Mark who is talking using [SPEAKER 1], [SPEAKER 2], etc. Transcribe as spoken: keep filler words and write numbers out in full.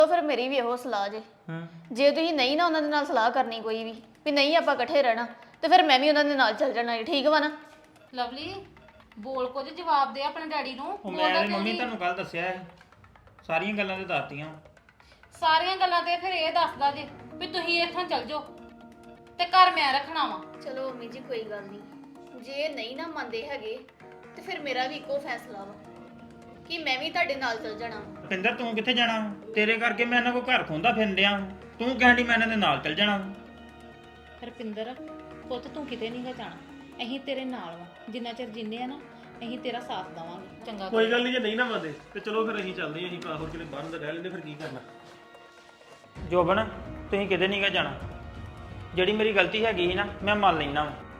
[SPEAKER 1] ਫਿਰ ਮੇਰੀ ਵੀ ਇਹੋ ਸਲਾਹ ਜੇ
[SPEAKER 2] ਹੂੰ
[SPEAKER 1] ਜੇ ਤੁਸੀਂ ਨਹੀਂ ਨਾ ਉਹਨਾਂ ਦੇ ਨਾਲ ਸਲਾਹ ਕਰਨੀ ਕੋਈ ਵੀ ਵੀ ਨਹੀਂ ਆਪਾਂ ਇਕੱਠੇ ਰਹਿਣਾ ਤੇ ਫਿਰ ਮੈਂ ਵੀ ਉਹਨਾਂ ਦੇ ਨਾਲ ਚੱਲ ਜਾਣਾ ਠੀਕ ਵਾ ਨਾ
[SPEAKER 3] ਲਵਲੀ ਬੋਲ ਕੁਝ ਜਵਾਬ ਦੇ ਆਪਣੇ ਡੈਡੀ ਨੂੰ
[SPEAKER 2] ਉਹ
[SPEAKER 3] ਬੋਲਦਾ
[SPEAKER 2] ਮੈਂ
[SPEAKER 3] ਕਿਉਂ
[SPEAKER 2] ਮੰਮੀ
[SPEAKER 3] ਨਹੀਂ?
[SPEAKER 2] ਤੁਹਾਨੂੰ ਕੱਲ ਦੱਸਿਆ ਹੈ ਸਾਰੀਆਂ ਗੱਲਾਂ ਤੇ ਦੱਸਤੀਆਂ
[SPEAKER 3] ਸਾਰੀਆਂ ਗੱਲਾਂ ਤੇ ਫਿਰ ਇਹ ਦੱਸਦਾ ਜੇ ਵੀ ਤੁਸੀਂ ਇੱਥੋਂ ਚੱਲ ਜਾਓ ਤੇ ਘਰ ਮੈਂ ਰੱਖਣਾ ਵਾ।
[SPEAKER 1] ਚਲੋ ਮੰਮੀ ਜੀ ਕੋਈ ਗੱਲ ਨਹੀਂ ਜੇ ਨਹੀਂ ਨਾ ਮੰਨਦੇ ਹੈਗੇ ਤੇ ਫਿਰ ਮੇਰਾ ਵੀ ਇੱਕੋ ਫੈਸਲਾ ਵਾ ਕਿ ਮੈਂ ਵੀ ਤੁਹਾਡੇ ਨਾਲ ਚੱਲ ਜਾਣਾ ਵਾ।
[SPEAKER 2] ਪਿੰਦਰ ਤੂੰ ਕਿੱਥੇ ਜਾਣਾ ਵਾ? ਤੇਰੇ ਕਰਕੇ ਮੈਂ ਇਹਨਾਂ ਕੋ ਘਰ ਖੋਂਦਾ ਫਿਰਨ ਡਿਆ ਵਾਂ। ਤੂੰ ਕਹਿੰਦੀ ਮੈਂ ਇਹਨਾਂ ਦੇ ਨਾਲ ਚੱਲ ਜਾਣਾ ਵਾ।
[SPEAKER 3] ਰਪਿੰਦਰ ਪੁੱਤ ਤੂੰ ਕਿਤੇ ਨਹੀਂ ਗਾ ਜਾਣਾ ਅਸੀਂ ਤੇਰੇ ਨਾਲ ਵਾ ਜਿੰਨਾ ਚਿਰ ਜਿੰਨੇ ਆ ਨਾ ਅਸੀਂ ਤੇਰਾ ਸਾਥ ਦੇਵਾਂਗੇ ਚੰਗਾ
[SPEAKER 4] ਕੋਈ ਗੱਲ ਨਹੀਂ ਜੇ ਨਹੀਂ ਨਾ ਮੰਨਦੇ ਤੇ ਚਲੋ ਫਿਰ ਅਸੀਂ ਚੱਲਦੇ ਹਾਂ ਅਸੀਂ ਹੋਰ ਕਿਤੇ ਬਾਹਰ ਅੰਦਰ ਰਹਿ ਲੈਂਦੇ ਫਿਰ ਕੀ ਕਰਨਾ।
[SPEAKER 2] ਜੋਬਨ ਤੁਸੀਂ ਕਿਤੇ ਨਹੀਂ ਗਾ ਜਾਣਾ ਜਿਹੜੀ ਮੇਰੀ ਗਲਤੀ ਹੈਗੀ ਸੀ ਨਾ ਮੈਂ ਮੰਨ ਲੈਣਾ ਵਾ